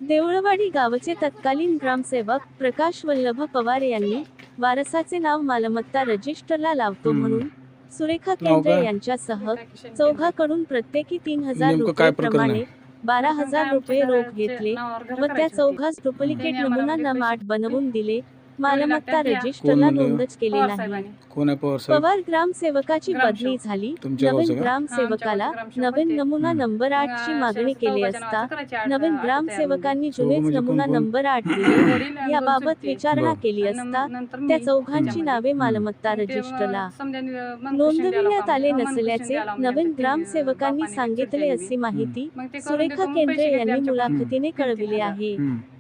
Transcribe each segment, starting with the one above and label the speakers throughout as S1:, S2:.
S1: देऊळवाडी गावचे तत्कालीन ग्रामसेवक प्रकाश वल्लभ पवार यांनी वारसाचे नाव मालमत्ता रजिस्टरला लावतो म्हणून सुरेखा केंद्रे यांच्यासह चौघाकडून प्रत्येकी 3,000 रुपये प्रमाणे 12,000 रुपये रोख घेतले व त्या चौघास डुप्लिकेट नमुना नमाट बनवून दिले. मालमत्ता रजिस्टरला नोंदच केली नाही. पवार ग्रामसेवकाची बदली झाली. नवीन ग्रामसेवकाला नवीन नमुना नंबर 8 ची मागणी केली असता नवीन ग्रामसेवकांनी जुनेच नमुना नंबर 8 दिले. याबाबत विचारणा केली असता त्या चौघांची नावे मालमत्ता रजिस्टरला नोंदविण्यात आले नसल्याचे नवीन ग्रामसेवकांनी सांगितले अशी माहिती सुरेखा केंद्रे यांनी मुलाखतीने कळविली आहे.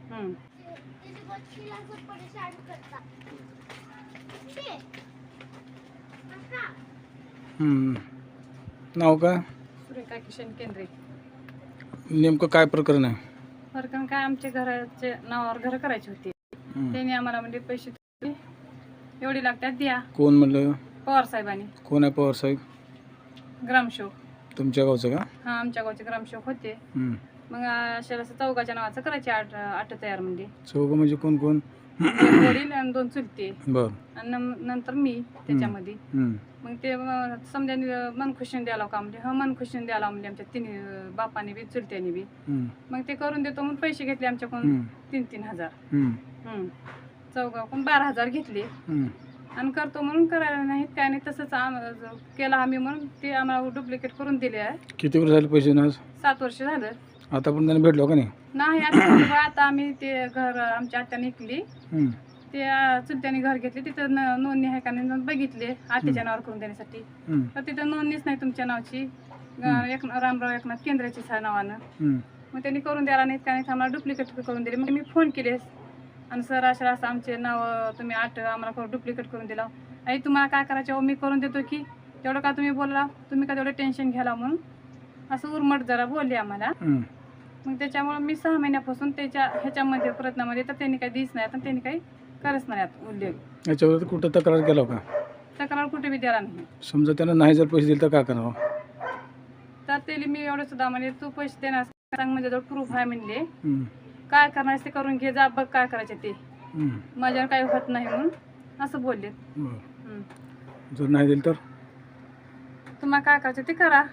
S2: नाव काय?
S3: सुरेखा किशन केंद्रे.
S2: नेमकं काय प्रकरण आहे?
S3: प्रकरण काय, आमच्या घराचे नावावर घर करायचे होते. त्यांनी आम्हाला म्हणजे पैसे एवढे लागतात द्या.
S2: कोण म्हणलं?
S3: पवार साहेबांनी.
S2: कोण आहे पवार साहेब?
S3: ग्रामसेवक.
S2: तुमच्या गावचं का?
S3: हा, आमच्या गावचे ग्रामसेवक होते. मग अशा चौघाच्या नावाचं करायचे आठ तयार म्हणजे.
S2: चौघ म्हणजे कोण कोण?
S3: वडील आणि 2 चुलते.
S2: बर.
S3: आणि नंतर मी त्याच्यामध्ये. मग ते समजाने मनखुशीने द्यायला का म्हणजे मनखुशीने द्यायला म्हणजे आमच्या 3 बापाने बी चुलत्याने बी. मग ते करून देतो म्हणून पैसे घेतले आमच्याकडून 3-3 हजार. चौघाकडून 12,000 घेतले आणि करतो म्हणून करायला नाहीत काय नाही. तसंच केला आम्ही म्हणून ते आम्हाला डुप्लिकेट करून दिले आहे.
S2: किती वर्ष झाले पैसे ना?
S3: 7 वर्ष झालं.
S2: आता पण त्यांना भेटलो का नाही?
S3: नाही, आता आम्ही ते घर आमच्या आत्याने विकली. ते चुलत्याने घर घेतले. तिथं नोंदणी आहे का नाही बघितले आत्याच्या नावावर करून देण्यासाठी. तर तिथं नोंदणीच नाही तुमच्या नावाची. रामराव एकनाथ केंद्राचीच आहे नावानं. मग त्यांनी करून द्यायला नाहीत का नाही, आम्हाला डुप्लिकेट करून दिले. मग मी फोन केले आणि सर अशा असं आमचे नाव तुम्ही 8 आम्हाला डुप्लिकेट करून दिला. आई तुम्हाला काय करायचं? मी करून देतो की तेवढं का तुम्ही बोलला, तुम्ही का तेवढं टेन्शन घ्यायला म्हणून असं उर्मट जरा बोलले आम्हाला. मग त्याच्यामुळे मी 6 महिन्यापासून त्याच्या ह्याच्यामध्ये प्रयत्नामध्ये तर त्यांनी काही दिस नाही, तर त्यांनी काही करत नाही उल्लेख.
S2: याच्यावर कुठं तक्रार केला का?
S3: तक्रार कुठे बी द्यायला नाही.
S2: समजा त्यांना नाही जर पैसे दिले तर काय करावं?
S3: तर त्याला मी एवढं सुद्धा म्हणजे तू पैसे देणार सांग, माझ्याजवळ प्रूफ आहे म्हणले. काय करणार ते करून घे, जा बघ काय करायचे ते, माझ्यावर काही होत नाही म्हणून असं बोलले.
S2: जर नाही दिलं तर
S3: तुम्हाला काय करायचं ते करा.